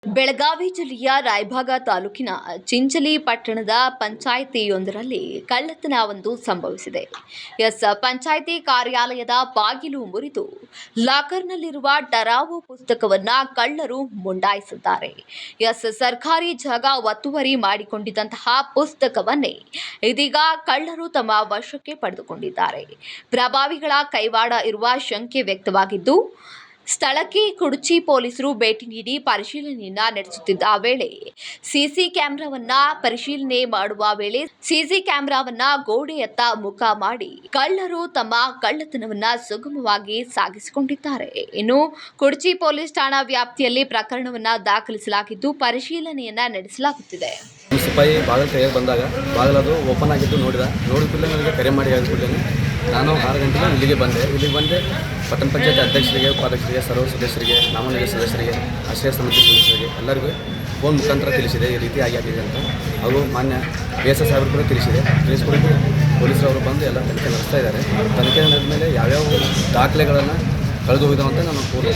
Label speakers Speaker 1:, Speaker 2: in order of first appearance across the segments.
Speaker 1: ಬೆಳಗಾವಿ ಜಿಲ್ಲೆಯ ರಾಯಭಾಗ ತಾಲೂಕಿನ ಚಿಂಚಲಿ ಪಟ್ಟಣದ ಪಂಚಾಯಿತಿಯೊಂದರಲ್ಲಿ ಕಳ್ಳತನವೊಂದು ಸಂಭವಿಸಿದೆ. ಪಂಚಾಯಿತಿ ಕಾರ್ಯಾಲಯದ ಬಾಗಿಲು ಮುರಿದು ಲಾಕರ್ನಲ್ಲಿರುವ ಟರಾವೋ ಪುಸ್ತಕವನ್ನು ಕಳ್ಳರು ಮುಂಡಾಯಿಸಿದ್ದಾರೆ. ಸರ್ಕಾರಿ ಜಾಗ ಒತ್ತುವರಿ ಮಾಡಿಕೊಂಡಿದ್ದಂತಹ ಪುಸ್ತಕವನ್ನೇ ಇದೀಗ ಕಳ್ಳರು ತಮ್ಮ ವಶಕ್ಕೆ ಪಡೆದುಕೊಂಡಿದ್ದಾರೆ. ಪ್ರಭಾವಿಗಳ ಕೈವಾಡ ಇರುವ ಶಂಕೆ ವ್ಯಕ್ತವಾಗಿದ್ದು, ಸ್ಥಳಕ್ಕೆ ಕುಡಚಿ ಪೊಲೀಸರು ಭೇಟಿ ನೀಡಿ ಪರಿಶೀಲನೆಯನ್ನ ನಡೆಸುತ್ತಿದ್ದ ವೇಳೆ ಸಿಸಿ ಕ್ಯಾಮೆರಾವನ್ನ ಗೋಡೆಯತ್ತ ಮುಖ ಮಾಡಿ ಕಳ್ಳರು ತಮ್ಮ ಕಳ್ಳತನವನ್ನ ಸುಗಮವಾಗಿ ಸಾಗಿಸಿಕೊಂಡಿದ್ದಾರೆ. ಇನ್ನು ಕುಡಚಿ ಪೊಲೀಸ್ ಠಾಣಾ ವ್ಯಾಪ್ತಿಯಲ್ಲಿ ಪ್ರಕರಣವನ್ನ ದಾಖಲಿಸಲಾಗಿದ್ದು ಪರಿಶೀಲನೆಯನ್ನ ನಡೆಸಲಾಗುತ್ತಿದೆ.
Speaker 2: ಸಿಪಾಯಿ ಬಾಗಿಲು ತೆಗೆದು ಬಂದಾಗ ಬಾಗಿಲದು ಓಪನ್ ಆಗಿದ್ದು ನೋಡಿದ ಕೂಡಲೇ ನನಗೆ ಕರೆ ಮಾಡಿ ಹೇಳಿಕೊಡ್ತೇನೆ. ನಾನು 6 ಗಂಟೆಗೆ ಇಲ್ಲಿಗೆ ಬಂದೆ ಪಟ್ಟಣ ಪಂಚಾಯತ್ ಅಧ್ಯಕ್ಷರಿಗೆ, ಉಪಾಧ್ಯಕ್ಷರಿಗೆ, ಸರ್ವ ಸದಸ್ಯರಿಗೆ, ನಾಮನಿಗೆ ಸದಸ್ಯರಿಗೆ, ಆಶ್ರಯ ಸಮಿತಿ ಸದಸ್ಯರಿಗೆ ಎಲ್ಲರಿಗೂ ಫೋನ್ ಮುಖಾಂತರ ತಿಳಿಸಿದೆ ಈ ರೀತಿ ಆಗಿದೆ ಅಂತ. ಹಾಗೂ ಮಾನ್ಯ BSS ಸಾಹೇಬರು ಕೂಡ ತಿಳಿಸ್ಕೊಡೋದು ಪೊಲೀಸರವರು ಬಂದು ಎಲ್ಲ ತನಿಖೆ ನಡೆಸ್ತಾ ಇದ್ದಾರೆ. ತನಿಖೆ ನಡೆದ ಮೇಲೆ ಯಾವ್ಯಾವ ದಾಖಲೆಗಳನ್ನು ಕಳೆದು ಹೋಗಿದ್ದಾವೆ ಅಂತ ನಾನು ಪೂರ್ವ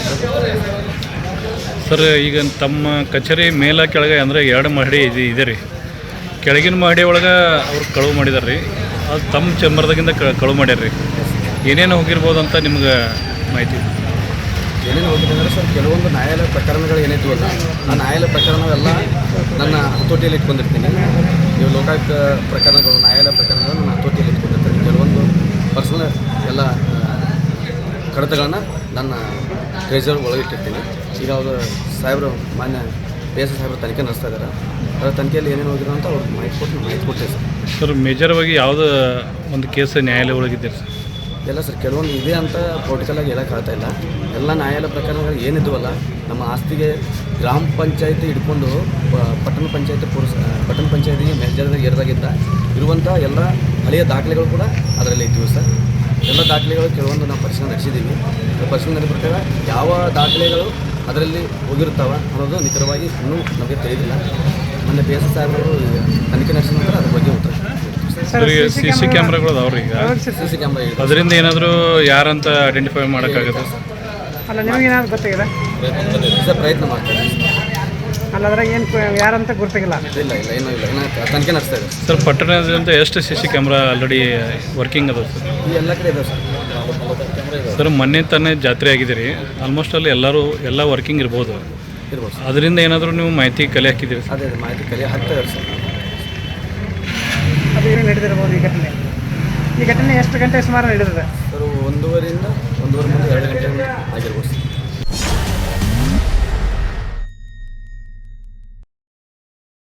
Speaker 3: ಸರ್, ಈಗ ತಮ್ಮ ಕಚೇರಿ ಮೇಲ ಕೆಳಗೆ ಅಂದರೆ 2 ಮಹಡಿ ಇದೆ ರೀ. ಕೆಳಗಿನ ಮಹಡಿ ಒಳಗೆ ಅವ್ರು ಕಳುವು ಮಾಡಿದಾರೆ ರೀ. ಅದು ತಮ್ಮ ಚೇಂಬರ್ದಾಗಿಂದ ಕಳುವು ಮಾಡ್ಯಾರ ರೀ. ಏನೇನು ಹೋಗಿರ್ಬೋದು ಅಂತ ನಿಮ್ಗೆ ಮಾಹಿತಿ?
Speaker 2: ಏನೇನು ಹೋಗಿದೆ ಅಂದರೆ ಸರ್, ಕೆಲವೊಂದು ನ್ಯಾಯಾಲಯ ಪ್ರಕರಣಗಳು ಏನಿದ್ವಲ್ಲ ಆ ನ್ಯಾಯಾಲಯ ಪ್ರಕರಣವೆಲ್ಲ ನನ್ನ ಹತೋಟಿಯಲ್ಲಿ ಇಟ್ಕೊಂಡಿರ್ತೀನಿ. ಇವು ಲೋಕಾಯುಕ್ತ ಪ್ರಕರಣಗಳು, ನ್ಯಾಯಾಲಯ ಪ್ರಕರಣಗಳು ನನ್ನ ಹತೋಟಿಯಲ್ಲಿ ಇಟ್ಕೊಂಡಿರ್ತೀನಿ. ಕೆಲವೊಂದು ಪರ್ಸನಲ್ ಎಲ್ಲ ಕಡತಗಳನ್ನು ನನ್ನ ಟ್ರೆಜರ್ ಒಳಗಿಟ್ಟಿರ್ತೀನಿ. ಈಗ ಅವರು ಸಾಹೇಬರು ಮಾನ್ಯ BSS ಸಾಹೇಬರು ತನಿಖೆ ನಡೆಸ್ತಾ ಇದ್ದಾರೆ. ಅದರ ತನಿಖೆಯಲ್ಲಿ ಏನೇನು ಹೋಗಿರೋ ಅಂತ ಅವ್ರಿಗೆ ಮಾಹಿತಿ ಕೊಡ್ತೇವೆ ಸರ್.
Speaker 3: ಸರ್, ಮೇಜರ್ವಾಗಿ ಯಾವುದೋ ಒಂದು ಕೇಸ್ ನ್ಯಾಯಾಲಯ ಒಳಗಿದ್ದೀರಿ ಸರ್?
Speaker 2: ಎಲ್ಲ ಸರ್, ಕೆಲವೊಂದು ಇದೆ ಅಂತ ಪೊಲಿಟಿಕಲಾಗಿ ಹೇಳೋಕ್ಕಾಗ್ತಾ ಇಲ್ಲ. ಎಲ್ಲ ನ್ಯಾಯಾಲಯ ಪ್ರಕರಣಗಳು ಏನಿದ್ವಲ್ಲ, ನಮ್ಮ ಆಸ್ತಿಗೆ ಗ್ರಾಮ ಪಂಚಾಯತಿ ಹಿಡ್ಕೊಂಡು ಪಟ್ಟಣ ಪಂಚಾಯತಿಗೆ ಮೇಲ್ಜಾರದಾಗ ಏರಿದಾಗಿದ್ದ ಇರುವಂಥ ಎಲ್ಲ ಹಳೆಯ ದಾಖಲೆಗಳು ಕೂಡ ಅದರಲ್ಲಿ ಇದ್ದೀವಿ ಸರ್. ಎಲ್ಲ ದಾಖಲೆಗಳು ಕೆಲವೊಂದು ನಾವು ಪರಿಶೀಲನೆ ನಡೆಸಿದ್ದೀವಿ. ಪರಿಶೀಲನೆ ನಡೆದ ಪ್ರಕಾರ ಯಾವ ದಾಖಲೆಗಳು ಅದರಲ್ಲಿ ಹೋಗಿರ್ತಾವೆ ಅನ್ನೋದು ನಿಖರವಾಗಿ ಇನ್ನೂ ನಮಗೆ ತಿಳಿದಿಲ್ಲ. ಮೊನ್ನೆ BSS ಸಾಹೇಬರು ತನಿಖೆ ನಡೆಸಿದ ನಂತರ ಅದ್ರ ಬಗ್ಗೆ ಉತ್ತರ.
Speaker 3: CC ಕ್ಯಾಮ್ರಾಗಳು ಅದಾವ್ರಿ? ಈಗ
Speaker 2: CC ಕ್ಯಾಮ್ರಾ
Speaker 3: ಅದರಿಂದ ಏನಾದರೂ ಯಾರಂತ ಐಡೆಂಟಿಫೈ ಮಾಡೋಕ್ಕಾಗುತ್ತೆ?
Speaker 4: ಅಲ್ಲ, ನಿಮಗೆ ಏನಾದ್ರು ಗೊತ್ತಾಗಿದೆ?
Speaker 2: ಪ್ರಯತ್ನ ಮಾಡ್ತಾರೆ.
Speaker 4: ಅಲ್ಲ, ಅದ್ರಾಗ ಏನು ಯಾರಂತ ಗೊತ್ತಾಗಿಲ್ಲ?
Speaker 2: ಇಲ್ಲ ಏನೂ ಇಲ್ಲ, ತನಿಖೆ ನಡೆಸ್ತಾ ಇದೆ
Speaker 3: ಸರ್. ಪಟ್ಟಣದಿಂದ ಎಷ್ಟು CC ಕ್ಯಾಮ್ರಾ ಆಲ್ರೆಡಿ ವರ್ಕಿಂಗ್ ಅದಾವೆ ಸರ್?
Speaker 2: ಈ ಎಲ್ಲ ಕಡೆ ಇದಾವೆ
Speaker 3: ಸರ್. ಮೊನ್ನೆ ತಾನೇ ಜಾತ್ರೆ ಆಗಿದೆ ರೀ. ಆಲ್ಮೋಸ್ಟ್ ಅಲ್ಲಿ ಎಲ್ಲ ವರ್ಕಿಂಗ್ ಇರ್ಬೋದು. ಅದರಿಂದ ಏನಾದರೂ ನೀವು ಮಾಹಿತಿ ಕಲೆ ಹಾಕಿದ್ದೀರಿ?
Speaker 2: ಅದೇ ಮಾಹಿತಿ ಕಲೆ ಹಾಕ್ತಾ ಇದ್ದಾರೆ ಸರ್.
Speaker 4: ಅದು ಏನು ನಡೆದಿರ್ಬೋದು ಈ ಘಟನೆ ಎಷ್ಟು ಗಂಟೆ ಸುಮಾರು ನಡೆದಿದೆ
Speaker 2: ಸರ್? 1:30 2 ಗಂಟೆ ಆಗಿರ್ಬೋದು ಸರ್.